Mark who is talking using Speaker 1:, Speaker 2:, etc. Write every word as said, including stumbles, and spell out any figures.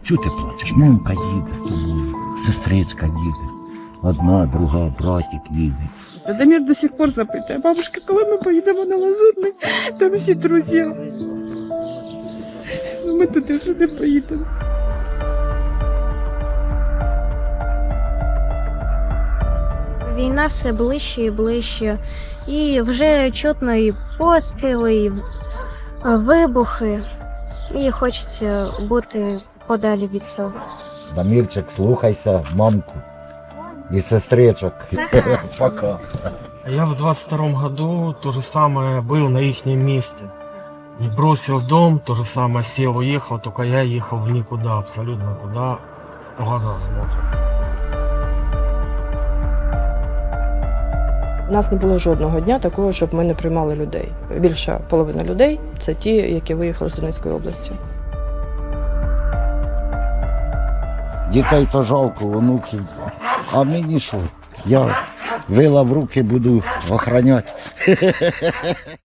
Speaker 1: Чого ти плачеш? Мамка їде з тобою, сестричка їде. Одна, друга, братик їде.
Speaker 2: Дамір до сих пор запитує, бабушка, коли ми поїдемо на Лазурний, там всі друзі. Ми туди вже не поїдемо.
Speaker 3: Війна все ближче і ближче. І вже чутно і постріли, і вибухи. І хочеться бути подалі від цього.
Speaker 1: Дамірчик, слухайся мамку і сестричок. Пока.
Speaker 4: Я в двадцать втором году то же самое был на их месте. И бросил дом, то же самое сел, уехал, только я ехал в никуда, абсолютно куда глаза смотрят.
Speaker 5: У нас не було жодного дня такого, щоб ми не приймали людей. Більша половина людей – це ті, які виїхали з Донецької області.
Speaker 1: Дітей то жалко, онуків. А мені що? Я вила в руки буду охороняти.